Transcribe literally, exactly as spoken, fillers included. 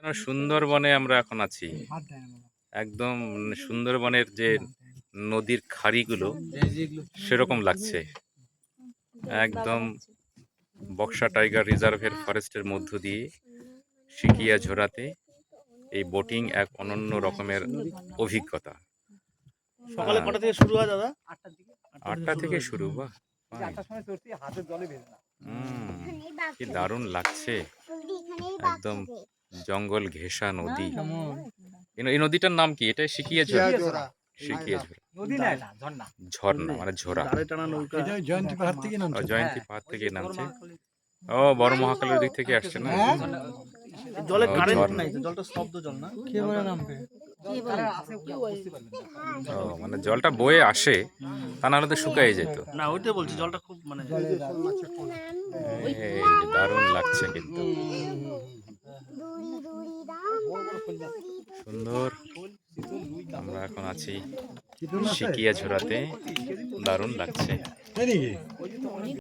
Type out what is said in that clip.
সুন্দরবনে আমরা এখন আছি। একদম সুন্দরবনের যে নদীর খাড়িগুলো সেরকম লাগছে। একদম বক্সা টাইগার রিজার্ভের ফরেস্টের মধ্য দিয়ে সিকিয়া ঝোড়াতে এই বোটিং এক অনন্য রকমের অভিজ্ঞতা। সকালে কটা থেকে শুরু হয় দাদা? আটটা থেকে শুরু। বাহ, কি দারুণ লাগছে। একদম জঙ্গল ঘেঁষা নদী। এই নদীটার নাম কি? এটা সিকিয়া ঝোড়া। সিকিয়া ঝোড়া ঝর্ণা মানে ঝোড়া। জয়ন্তী পাহাড় থেকে নামছে। জয়ন্তী পাহাড় থেকে নামছে। ও বড় মহাকালের দিক থেকে আসছে না? জলে ও, কারেন্ট ঝর্ণা। নাই তো, জলটা স্তব্ধ জল না? কিভাবে নামবে? ও মানে জলটা বয়ে আসে, তা নাহলে তো শুকাই যেত। না ওইটাই বলছি, জলটা খুব মানে এই যে দারুণ লাগছে কিন্তু, সুন্দর। আমরা এখন আছি সিকিয়া ঝোড়াতে, দারুণ লাগছে। তাই নাকি?